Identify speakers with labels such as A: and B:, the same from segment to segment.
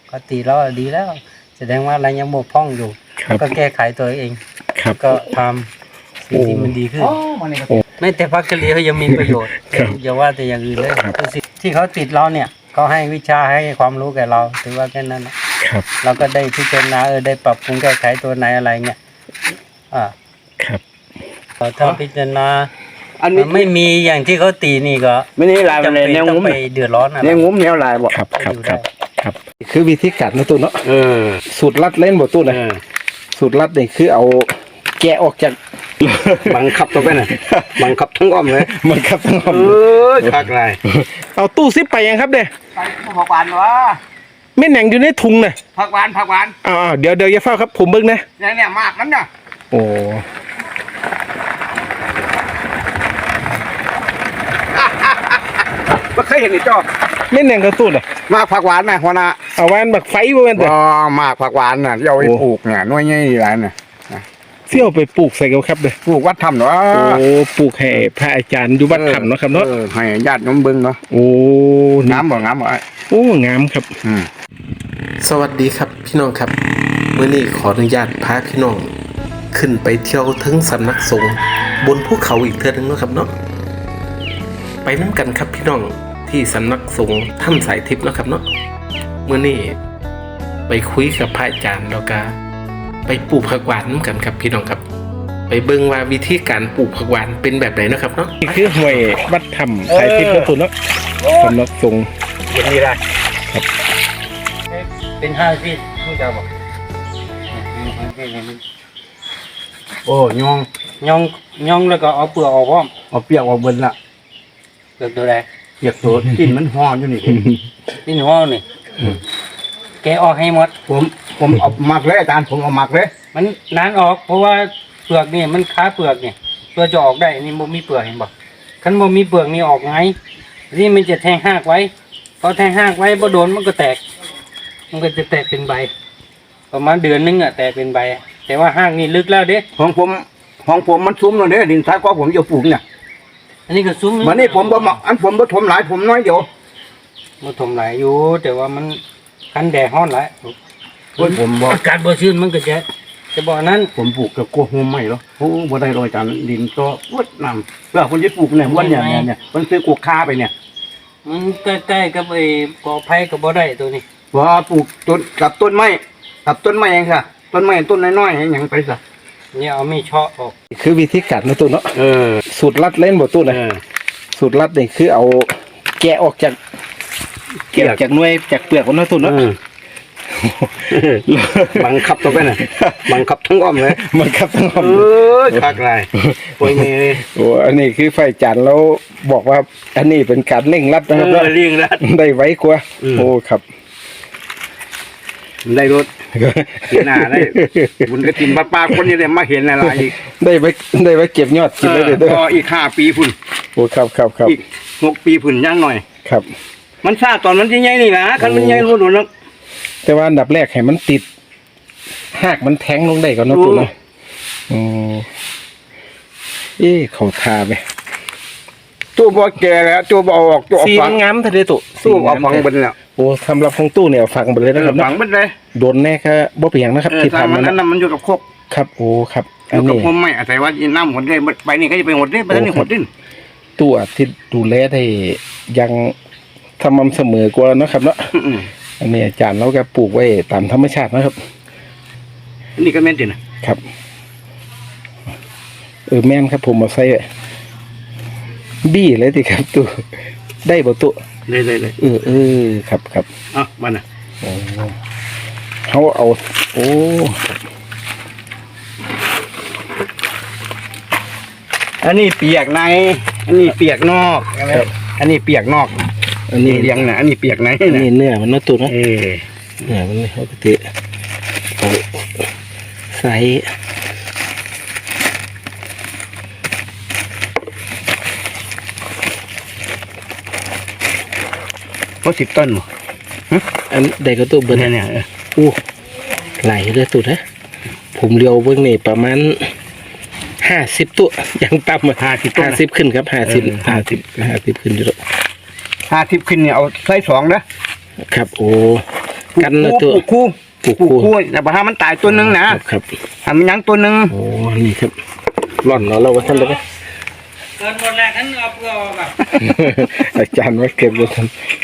A: ก็ตีแล้วดีแล้วแสดงว่าอะไรยังบกพร่องอยู่ก็แก้ไขตัวเองก็ทำสิ่งที่มันดีขึ้นไม่แต่พักกะเหรี่ยงเขายังมีประโยชน์อย่าว่าแต่อย่างอื่นเลยที่เขาติดเราเนี่ยเขาให้วิชาให้ความรู้แก่เราถือว่าแค่นั้นนะครับเราก็ได้พิจารณาได้ปรับปรุงแก้ไขตัวไหนอะไรเงี้ย
B: ครับ
A: ถ้าพิจารณาอันนี้ไม่มีอย่างที่เขาตีนี่ก็
C: ไม่นี่ลายมันแนวงุ้ม
A: ไปเดือดร้อนอะไร
C: แนวงุ้มแนวลายบ่
B: ครับคือวิธีการนะตู้เนาะสูตรลัดเล่นบ่ตู้นะสูตรลัดนี่คือเอาแกะออกจาก
C: บังคับตัวไปน่ะบังคับทั้งอ้อมเลย
B: บังคับทั้งอ้อม
C: คักไร
B: เอาตู้ซิปไปยังครับเด้
C: ไปผักหวานวะ
B: ไม่แหน่งอยู่ในถุงน่ะ
C: ผักหวาน
B: เดี๋ยวอย่าเฝ้าครับผมเบิ่งนะ
C: เนี่ยมากนั้นน่ะ
B: โอ้
C: ไม่เคยเห็นนี่จ้อ
B: ไม่แหน่งกระตุ้นอ่ะ
C: มากผักหวานนะหัวหน้า
B: เอาหวานแบบไฟบ่แม่น
C: อ๋อมากผักหวานน่ะที่เอาไปปลูกเนี่ยน้อยใหญ่หลายน่ะ
B: เสี่ยวไปปลูกใส่กับครับเด้
C: ปลูกวัดถ้ำเนาะ
B: โอ้ปลูกให้พระอาจารย์อยู่วัดถ้ำเนาะครับเนาะ
C: ให้ญาติโยมเบิ่งเนาะ
B: โอ้
C: งามบ่
B: โอ้งามครับสวัสดีครับพี่น้องครับมื้อนี้ขออนุญาตพาพี่น้องขึ้นไปเที่ยวถึงสำนักสงฆ์บนภูเขาอีกเทื่อนึงเนาะครับเนาะไปนำกันครับพี่น้องที่สำนักสงฆ์ถ้ำสายทิพย์เนาะครับเนาะมื้อนี้ไปคุยกับพระอาจารย์แล้วก็ไปปลูกผักหวานกันครับพี่น้องครับไปเบิ่งว่าวิธีการปลูกผักหวานเป็นแบบไหนนะครับเนาะนี่คือห้วยวัดถ้ำสายทิพย์นะคุณเนาะสำนักสงฆ์
C: อย่างนี้ได้
A: ครับเป็น5 ฟีตผู้เจ้าบอก
C: โอ้ย
A: องแล้วก็เอาเปลือกออกพร้อม
C: เอาเปียกออกเบิ่นละ
A: เปลือกตัวใด
C: เปียกตัวกินมันห่ออยู่นี่
A: กินห่อนี่แกออกให้หมด
C: ผมเอาหมักเลยอาจารย์ผมเอาหมักเลย
A: มันนานออกเพราะว่าเปลือกนี่มันค้าเปลือกนี่เพื่อจะออกได้นี่บ่มีเปลือกเห็นบ่คันบ่มีเปลือกนี่ออกไงนี่มันจะแทงหากไว้พอแทงหากไว้บ่โดนมันก็แตกมันก็จะแตกเป็นใบประมาณเดือนนึงแตกเป็นใบแต่ว่าหากนี่ลึกแล้วเด้
C: ของผมมันซุ้มแล้วเด้ดินทรายก็ผมจะปลูกเนี่ย
A: อันนี้ก็ซุ้ม
C: วันนี้ผมบ่หมักผมบ่ถมหลายผมน้อยเดียว
A: บ่ถมหลายอยู่แต่ว่ามันกันแดดร้อนหลาย
C: ผมบ่
A: อากาศบ่ชื้นมันก็จะบอกนั้น
C: ผมปลูกกับกลัวโฮมใหม่เหรอโอ้บ่ได้รอยจานดินก็วดน้ำแล้วคนจะปลูกเนี่ยวันเนี่ยมันซื้อกวกคาไปเนี่ย
A: มันใกล้ๆกับไอ้กอไผ่กับบ่ได้ตัวนี้
C: ว่าปลูกต้นกับต้นไม้เองค่ะต้นไม้ต้นน้อยๆอย่างไปซะ
A: เนี่ยเอามีเชาะออก
B: คือวิธีการนะตู้เนาะสูตรลัดเล่นบ่ตู้นะสูตรลัดนี่คือเอาแกะออกจากหน่วยจากเปลือกของนะตู้เนาะ
C: บังคับตัวไปน่ะบังคับทั้งอ้อมเลย
B: บังคับทั้งอ้อม
C: คักไรโอ้ยนี่
B: โอ้อันนี้คือไฟจันทร์แล้วบอกว่าอันนี้เป็นการเร่งรัดนะครับ
C: เร่งรัด
B: ได้ไว้กว่าโอ้ครับ
C: ได้รถเห็นหน้าได้บุญกระถิ่นป้าคนนี้เลยมาเห็นอะไรอีก
B: ได้ไว้เก็บยอดกินได้เลย
C: ก็อีก5 ปีพุ่น
B: โอ้ครับ
C: อีก6 ปีพุ่นย่างหน่อย
B: ครับ
C: มันซาตอนมันใหญ่ๆนี่นะคันมันใหญ่รู้โดนแล้ว
B: แต่ว่าอันดับแรกให้มันติดหากมันแทงลงได้ก่อนนะตัวนะเขาทาไป
C: ตู้บ่แก่แล้วตู้บ่ออกตู้
B: สีงามทะเลตู้
C: เอาฝังบนแล้ว
B: โอ้สำหรับของตู้เนี่ยฝังไปเลยนะครับ
C: ฝังบนเลย
B: โดนแน่ก็บ่เปียงนะครับที่ทำ
C: นั้นมันอยู่กับโคก
B: ครับโอ้ครับ
C: อันนี้ผมไม่อาศัยว่าน้ำหดได้ไปนี่ก็จะไปหดได้ไปนี่หดดิ้น
B: ตู้ที่ดูแลได้ยังสม่ำเสมอกว่านะครับเนาะอันนี้อาจารย์เราก็ปลูกไว้ตามธรรมชาตินะครับ
C: นี่ก็แม่นจริงนะครับ
B: แม่นครับผมมาใส่บี้เลยสิครับตู้ได้บ่ตู้
C: เลย
B: ครับ
C: มันอ่ะ
B: เขาเอาโอ้
C: อันนี้เปียกในอันนี้เปียกนอกอันนี้เปียกนอกอันนี้เลี้ยงนะอันนี้เปียกไหน
B: นี่เนื้อมันน่าตุ่นนะเนื้อมันปกติใส่
C: เพราะ10 ต้นหรอ
B: อันใดก็ตัวเบอร์
C: เนี่ย
B: ไหลเลยตุ่นนะผมเลี้ยวเบื้องนี่ประมาณ50 ตัวยังต่ำ50ขึ้นครับ50ขึ้นอยู่แล้ว
C: 50ขึ้นเนี่ยเอาไซส์2นะครับ
B: โอ้กันเลยตัว
C: ปลูก
B: ปลูกคู่
C: แต่ว่ามันตายตัวหนึงนะครับ ทำยังตัวหนึง
B: โอ้นี่ครับร่อนเราว่าท่านเลย
A: เกินหมดแล้วท่านเอาเปลือกออกอ่ะ
B: อาจารย์ไว้เก็บไว้ท่าน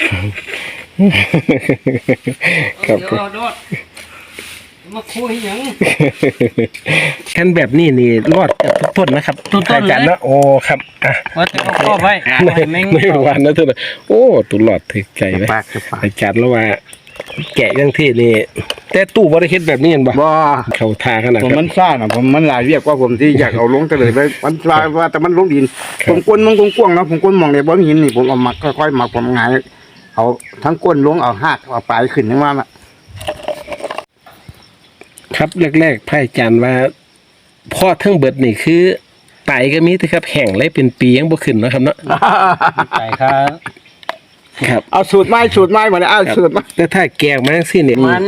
B: ครับ
A: เดี๋ยวเอาโดดมาคุยหยัง
B: กันแบบนี้นี่รอดจากทุกต้นนะครับ
A: ทุกต้นเลย
B: อาจารย์นะโอ้ครับอ่ะ
A: ว่าจะเอาครอบไว้แม่ง
B: ไม่หวานนะท่านโอ้ตุหลอดถึกใจไหม
C: ปากจะปาก
B: อาจารย์แล้วว่า แกะยังที่นี่แต่ตู้บริคิดแบบนี้เห็นบ่
C: บ่
B: เขาทาขนาด
C: ผม
B: ครับ
C: มันซ่านะผมมันหลายเรียกว่าผมที่อยากเอาลงแต่เลยไปมันลายว่าแต่มันลงดิน ผมก้นมันกว้างๆเนาะผมก้นมองในบ่มีหินนี่ผมเอามาค่อยๆมาผมหงายเอาทั้งก้นลงเอาหากเอาปลายขึ้นนึกว่าน่ะ
B: ครับแรกๆพระอาจารย์ว่าพ่อทั้งเบิดนี่คือไตก็มีแต่ครับแห้งเลยเป็นปียังบ่ขึ้นเนาะครับเนาะ
A: ใส่ค่ะ
B: ครับ
C: เอาสูตรไม้มาเลยเอาสูตรมา
B: แต่ถ้าแกงมาสิเนี่ย
A: มัน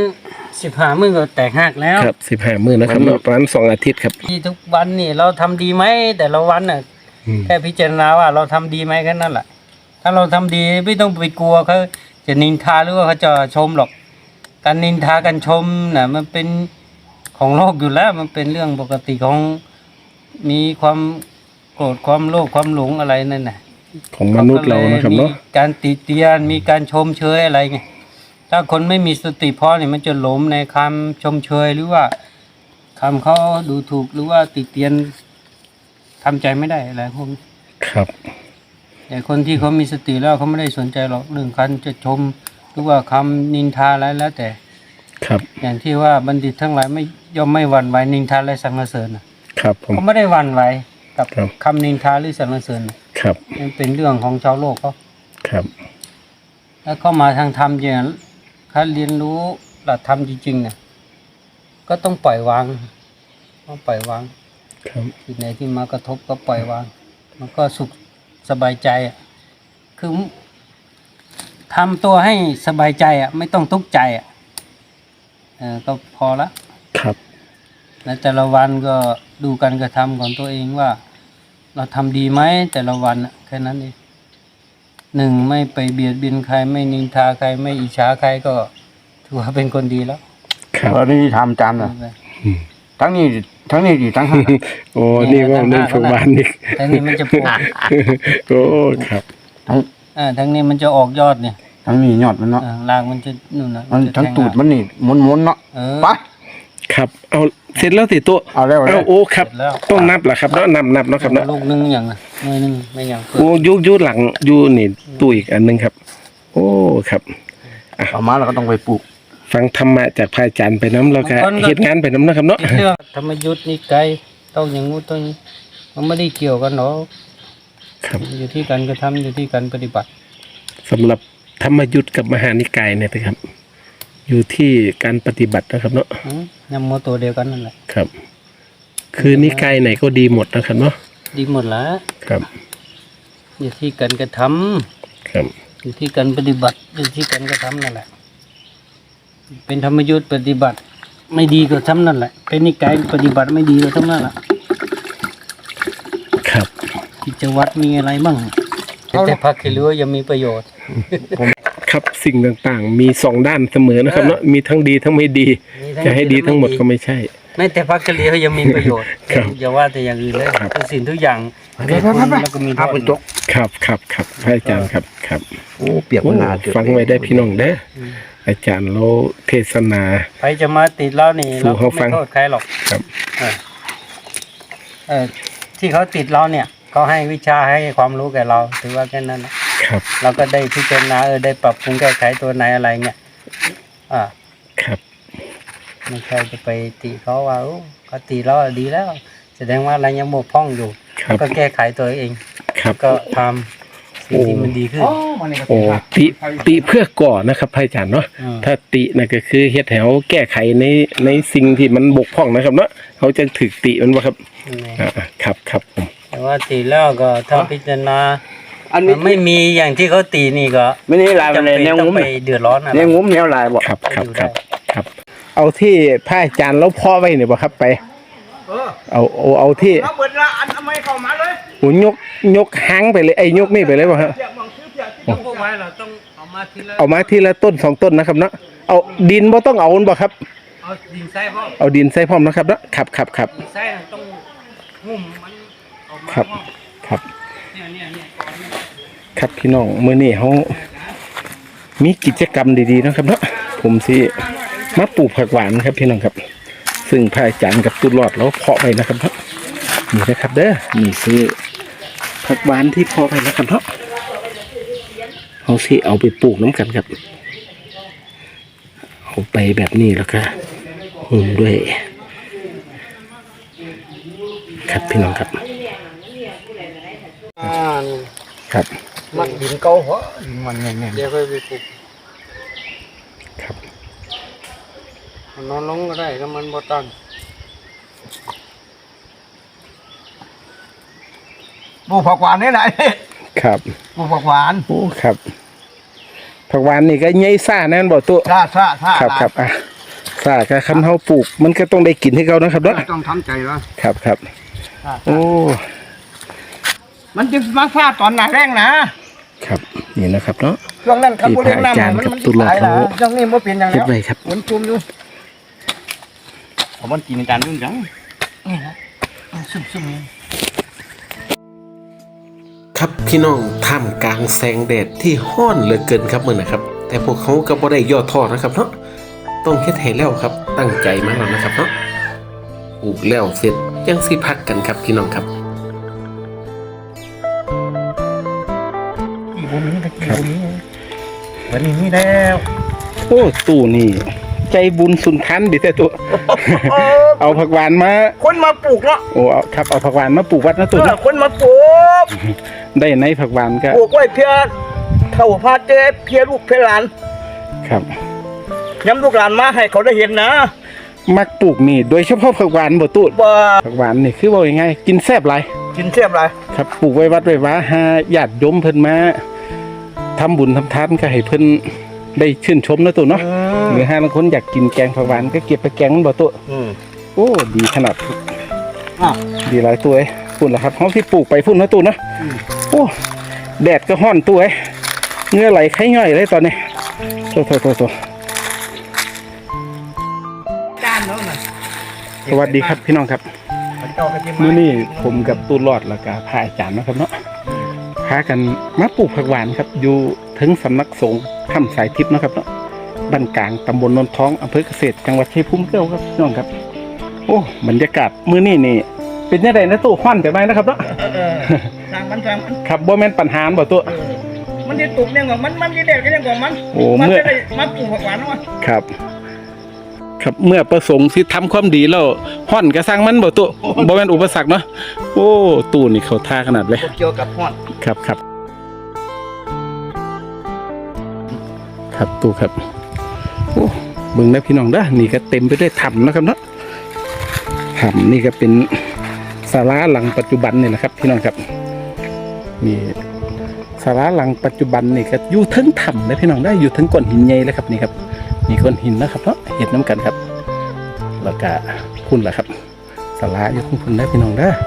A: 15 มื้อก็แตกหักแล้ว
B: ครับ15มื้อนะครับเนาะประมาณ2อาทิตย์ครับ
A: ที่ทุกวันนี่เราทำดีไหมแต่ละวันน่ะ
B: อืม
A: แค่พิจารณาว่าเราทำดีไหมแค่นั้นแหละถ้าเราทำดีไม่ต้องไปกลัวเขาจะนินทาหรือว่าเขาจะชมหรอก การนินทาการชมน่ะมันเป็นของโลกอยู่แล้ว มันเป็นเรื่องปกติของมีความโกรธความโลภความหลงอะไรนั่นน่ะ
B: ของมนุษย์เรานะครับเนาะ
A: มีการติเตียนมีการชมเชยอะไรไงถ้าคนไม่มีสติพอเนี่ยมันจะหลงในคำชมเชยหรือว่าคำเขาดูถูกหรือว่าติเตียนทำใจไม่ได้อะไรพวกนี้
B: ครับ
A: แต่คนที่เขามีสติแล้วเขาไม่ได้สนใจหรอกเรื่องการจะชมหรือว่าคำนินทาอะไรแล้วแต่
B: ครับ
A: อย่างที่ว่าบัณฑิตทั้งหลายไม่ย่อมไม่หวั่นไหวนินทาและสรรเสริญน่ะ
B: ครับผม
A: เขาไม่ได้หวั่นไหวกับ
B: ครับ
A: คำนินทาหรือสรรเสริญน่ะ
B: ครับ
A: มันเป็นเรื่องของชาวโลกเขา
B: ครับ
A: แล้วเข้ามาทางธรรมอย่างถ้าเรียนรู้หลักธรรมจริงๆเนี่ยก็ต้องปล่อยวางต้องปล่อยวาง
B: ครับ
A: สิ่งไหนที่มากระทบก็ปล่อยวาง มันก็สุขสบายใจอ่ะคือทำตัวให้สบายใจอ่ะไม่ต้องทุกข์ใจอ่ะก็พอละ
B: ครับ
A: และแต่ละวันก็ดูการกระทำของตัวเองว่า เราทำดีไหมแต่ละวันอ่ะแค่นั้นเองหนึ่งไม่ไปเบียดเบียนใครไม่นินทาใครไม่อิจฉาใครก็ถือว่าเป็นคนดีแล้ว
B: ครับ
C: แล้วนี่ทำจานน่ะทั้งนี้ดีทั้งนั้น
B: โอ้นี่ว่าหนึ่งของบ้านนี่
A: ทั้งนี้มันจะปลูก
B: โอ้ครับ
A: ทั้งนี้มันจะออกยอดเนี่ย
C: ทั้งนี้ยอดมันเนาะ
A: รากมันจะนู่นนะ
C: มัน
A: จะ
C: ทั้ง
A: แง
C: ตูดมันนี่ม้วนๆเนาะ
A: เออ
C: ไป
B: ครับเอาเสร็จแล้วติโตะ
C: เอาแล้ว
B: เอาโอ้ครับ
A: เสร็จแล้ว
B: ต้องนับเหรอครับเนาะนับเนาะครับเนาะ
A: ลูกนึงอย่างน่ะหน่วยนึงไม่อย่างเกิน
B: โอ้ยุหลังอยู่นี่ตู้อีกอันหนึงครับ โอ้ครับ
C: เอามาแล้วก็ต้องไปปลูก
B: ฟังธรรมะจากพระอาจารย์ไปน้ำแล้วก็เฮ็ดงานไปน้ำนะครับเนาะ
A: เรื่องธรรมยุทธ์นี่ไกลต้องอย่างงู้นต้องอย่างนี้มันไม่ได้เกี่ยวกันหรอก
B: ครับ
A: อยู่ที่การกระทำอยู่ที่การปฏิบัติ
B: สำหรับธรรมยุทธ์กับมหานิกายเนี่ยนะครับ อยู่ที่การปฏิบัตินะครับเนาะ
A: ยำโมตัวเดียวกันนั่นแหละ
B: ครับ คือนิกายไหนก็ดีหมดนะครับเนาะ
A: ดีหมดละ
B: ครับ
A: อยู่ที่การกระทำ
B: ครับ
A: อยู่ที่การปฏิบัติอยู่ที่การกระทำนั่นแหละ เป็นธรรมยุทธ์ปฏิบัติ ไม่ดีก็ทำนั่นแหละ เป็นนิกายปฏิบัติไม่ดีก็ทำนั่นแหละ
B: ครับ
A: กิจวัตรมีอะไรบ้างแต่พักคือรู้ว่ายังมีประโยชน์
B: ครับสิ่งต่างๆ มีสองด้านเสมอนะครับเนาะมีทั้งดีทั้งไม่ดี จะให้ดีทั้งหมดก็ไม่ใช่
A: ไม่แต่พักกะเหรียเขายังมีประโยชน์
B: ครับ
A: อย่าว่าแต่อย่างอื่นเลย
B: ครับ
A: ทุกสิ่งทุกอย่างแก่คนแล้วก็มีโท
C: เอา
A: ษ
C: เป็นจก
B: ครับพระอาจารย์ครับ
C: โอ้เปียกมันหนา
B: โอ้ฟังไว้ได้พี่น้องเด้ออาจารย์เราเทศนา
A: ใครจะมาติดเรานี่
B: สู่
A: เราก็
B: เขาฟั
A: ไม่
B: ง
A: โทษใครหรอก
B: ครับ
A: ที่เขาติดเราเนี่ยเขาให้วิชาให้ความรู้แก่เรา ถือว่าแค่นั้นนะครับ เราก็ได้พิจารณาได้ปรับปรุงแก้ไขตัวไหนอะไรเงี้ย
B: ครับ
A: ไม่ใช่จะไปติเขาว่าโอ้เขาติเราดีแล้ว แสดงว่าเรายังบกพร่องอยู่
B: ครับ
A: ก็แก้ไขตัวเอง
B: ครับ
A: ก็ทำสิ่งที่มันดีขึ้น
B: โอ้ติเพื่อก่อนะครับพระอาจารย์เนาะ
A: อืม
B: ถ้าตินะก็คือเฮ็ดแถวแก้ไขในสิ่งที่มันบกพร่องนะครับเนาะเขาจะถึกติมันว่าครับ
A: นี่
B: ครับผม
A: แต่ว่าติแล้วก็ถ้าพิจารณา
C: อันนี้
A: มันไม่มีอย่างที่เขาตีนี่ก็
C: ไม่นี่ลายมัน
A: จำ
C: เลย
A: เป็น
C: แนว
A: ต้
C: งุ้
A: อง
C: ม
A: ไปเดือดร้อนอะไร
C: แนวงุ้มแนวลายบ่
B: ครับ เอาที่พระอาจารย์แล้วพ่อไว้เนี่ยบ่ครับไป เอาที่
C: มาเบิดละอันทำไมเข้ามาเลย
B: หูยกหางไปเลยยกนี่ไปเลยบ่ครับ
C: เปียกมองชื่อเปียกที่
A: พวกไว้เราต้องเอามาทีละ
B: เอามาทีละต้นสองต้นนะครับเนาะเอาดินบ่ต้องเอาบ่ครับ
A: เอาดินใส่พ่อ
B: เอาดินใส่พร้อมนะครับเนาะครับ
A: ดินใส่ต้องหุ้มมันออกมา
B: ครับ
A: พ่อ
B: ครับ
A: เนี่ยก่อนเนี่ย
B: ครับพี่น้องมื้อนี้เฮามีกิจกรรมดีๆนะครับเนาะผมสิมาปลูกผักหวานครับพี่น้องครับ ซึ่งพระอาจารย์กับตุลอดเราเพาะไว้นะครับเนาะนี่นะครับเด้อนี่คือผักหวานที่เพาะไว้นะครับเนาะเฮาสิเอาไปปลูกน้ำกันครับเอาไปแบบนี้แล้วก็หุ้มด้วยครับพี่น้องครับครับ
C: มักดินเก่าหัวดินมันแน่น
A: เดี๋ยวค่อยไปปลูก
B: ครับ
A: มันนอนลงก็ได้ถ้ามันบ่ตั้ง
C: ๆปลูกผักหวานนี่ไหน
B: ครับ
C: ปลูกผักหวาน
B: โอ้ครับผักหวานนี่ก็ใหญ่ซ่าแน่นบ่ตัว
C: ซ่า
B: ครับอ่ะซ่าก็คันเฮาปลูกมันก็ต้องได้กินให้เขานะครับเนาะ
C: ต้องทำใจแล้ว
B: ครับโอ้
C: มันจะมาซ่าตอนหน้าแรงนะครับ
B: นี่นะครับเนาะ
C: ช่วงนั้นครับ
B: ที่
C: บ่เลี้ยง
B: พระอาจารย์
C: น้ำ
B: กับ
C: มัน
B: ตุลา
C: ตาย
B: เขา
C: นะช่วงนี้บ่เป็นอย่าง
B: เฮ็ด
C: แล้ว
B: ไว้ครับ
C: มันจุ่มอยู่มันกินจานยุ่งจังนี่นะซุ่มๆ
B: ครับพี่น้องท่ามกลางแสงแดดที่ฮ้อนเหลือเกินครับมื้อนะครับแต่พวกเขาก็บ่ได้ย่อท้อนะครับเนาะต้องเฮ็ดให้แล้วครับตั้งใจมาแล้วนะครับเนาะปลูกแล้วเสร็จยังสิพักกันครับพี่น้องครับ
C: กี่บุมีตะกี้บุมีวันนี้นี่แล้ว
B: โอ้ตู้นี่ใจบุญสุนทันดิแต่ตัว เอาผักหวานมา
C: คนมาปลูกเนาะ
B: โอ้เอาครับเอาผักหวานมาปลูกวัดนะตัวนะ
C: คนมาปลูก
B: ได้ในผักหวานก็
C: ปลูกไว้เพื่อเท่าพาเจ๊เพื่อลูกเพื่อหลาน
B: ครับ
C: ย้ำลูกหลานมาให้เขาได้เห็นนะ
B: มักปลูกนี่โดยเฉพาะผักหวานบ่ตู้
C: ว่า
B: ผักหวานนี่คือว่ายังไงกินแซ่บหลาย
C: กินเทียบไร
B: ครับปลูกไว้วัดไว้ว้าหาญาติโยมเพิ่นมาทำบุญทำทานก็ให้เพิ่นได้ชื่นชมนะตู้เนาะหรือห้าบางคนอยากกินแกงผักหวานก็เก็บไปแกงมันบ่ตู้โอ้ดีขนาด
C: อ้าว
B: ดีหลายตัวเอ้ยพุ่นละครับเฮาที่ปลูกไปพุ่นนะตู้เนาะโอ้แดดก็ฮ้อนตัวเอ้ยเหงื่อไหลไข้ย่อยเลยตอนนี้โต
C: จานเนาะน่ะ
B: สวัสดีครับพี่น้องครับ
C: เจ้ากระเทียม
B: มื้อนี้ผมกับตูรอดแล้วก็พระอาจารย์นะครับเนาะพากันมาปลูกผักหวานครับอยู่ถึงสำนักสงฆ์ถ้ำสายทิพย์นะครับเนาะบ้านกลางตำบลนนท้องอำเภอเกษตรจังหวัดชัยภูมิเก้าครับพี่น้องครับโอ้บรรยากาศมื้อนี้นี่เป็นยังไงนะตู้ฮ้อนจังไดนะครับเนาะ
C: ทางมัน
B: ครับบ่แม่นปัญหาบ่ตัว
C: มันจะตุกเนี่ยก่อนมันจะเด็ดก็ยังก่อนมัน
B: โอ้
C: มัน
B: เมื่อ
C: จะได้มาปลูกผักหวานวะ
B: ครับ ครับเมื่อประสงค์สิทำความดีแล้วฮ้อนก็สร้างมันบ่ตัวบ่แม่นอุปสรรคเนาะโอ้ตู้นี่เขาท่าขนาดเลย
C: เกี่ยวกับฮอด
B: ครับตู้ครับโอ้เบิ่งนะพี่น้องเด้อนี่ก็เต็มไปด้วยถ้ำนะครับเนาะถ้ำนี่ก็เป็นศาลาหลังปัจจุบันนี่แหละครับพี่น้องครับนี่ศาลาหลังปัจจุบันนี่ก็อยู่ทั้งถ้ำนะพี่น้องได้ออยู่ทั้งก้อนหินใหญ่เลยครับนี่ครับนี่ก้อนหินนะครับเนาะเห็ดน้ำกันครับแล้วก็พุ่นล่ะครับศาลาอยู่ทั้งพุ่นนะพี่น้องเด้อ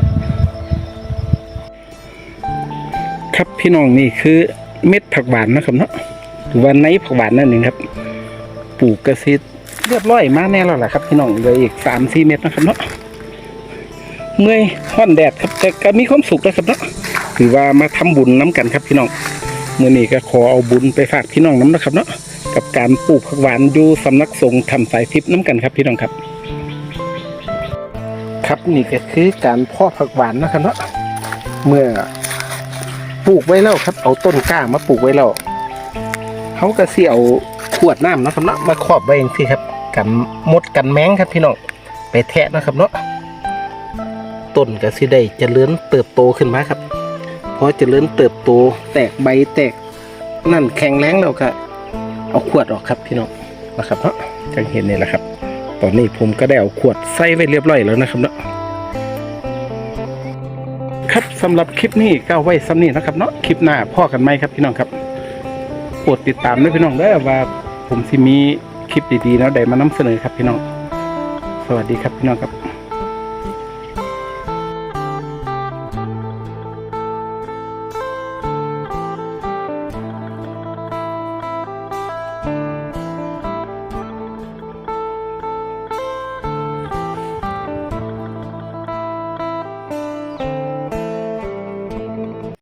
B: ครับพี่น้องนี่คือเม็ดผักหวานนะครับเนาะหรือว่าในผักหวานนั่นเองครับปลูกกระซิดเรียบร้อยมาแน่แล้วล่ะครับพี่น้องเหลืออีก3-4 เม็ดนะครับเนาะเมื่อยฮ้อนแดดครับแต่ก็มีความสุขนะครับเนาะถือว่ามาทำบุญน้ำกันครับพี่น้องมื้อนี้ก็ขอเอาบุญไปฝากพี่น้องน้ำนะครับเนาะกับการปลูกผักหวานอยู่สำนักสงฆ์ถ้ำสายทิพย์น้ำกันครับพี่น้องครับครับนี่ก็คือการเพาะผักหวานนะครับเนาะเมื่อปลูกไว้แล้วครับเอาต้นกล้ามาปลูกไว้แล้วเขาก็สิเอาขวดน้ำนะครับเนาะมาครอบไว้เองสิครับกันมดกันแมงครับพี่น้องไปแทะนะครับเนาะต้นก็สิได้เจริญเติบโตขึ้นมาครับพอเจริญเติบโตแตกใบแตกนั่นแข็งแรงแล้วก็เอาขวดออกครับพี่น้องนะครับเนาะจังเห็นนี่แหละครับตอนนี้ผมก็ได้เอาขวดใส่ไว้เรียบร้อยแล้วนะครับเนาะครับสำหรับคลิปนี้ก็เอาไว้ซ้ำนี้นะครับเนาะคลิปหน้าพ่อกันไหมครับพี่น้องครับโปรดติดตามด้วยพี่น้องได้ว่าผมสิมีคลิปดีๆแล้วได้มานำเสนอครับพี่น้องสวัสดีครับพี่น้องครับ